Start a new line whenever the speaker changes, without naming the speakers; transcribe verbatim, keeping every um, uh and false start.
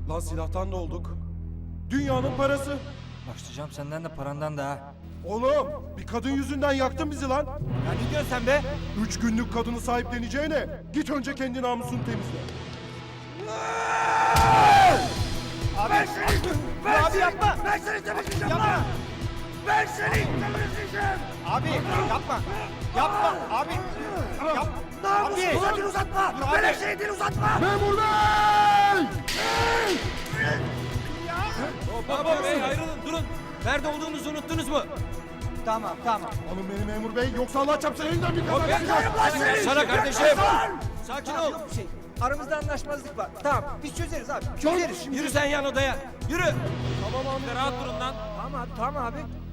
Lan silahtan da olduk. Dünyanın parası.
Başlayacağım senden de parandan da ha.
Oğlum bir kadın yüzünden yaktın bizi lan.
Ya ne diyorsun sen be?
Üç günlük kadını sahipleneceğine git önce kendi namusunu temizle.
Abi, ben seni, ben abi seni, yapma.
Ben seni temizleyeceğim
Yapma.
lan! Ben seni temizleyeceğim!
Abi yapma. Yapma abi. Yap.
Namusumu
Abi.
uzatın uzatma!
Dur abi.
Menekşe'yi dil uzatma!
Memur bey!
Baba bey ayrılın durun. Nerede olduğunuzu unuttunuz mu?
Tamam tamam.
Alın beni memur bey yoksa Allah çarpsın elinden bir kaza
Ben-
çıkacak.
Lan seni!
Sana kardeşim.
Yaklaşan!
Sakin ol.
Yok bir şey. Aramızda anlaşmazlık var. Tamam biz çözeriz abi. Çözeriz.
Yürü sen yan odaya. Yürü.
Tamam abi.
Rahat durun lan.
Tamam abi tamam abi.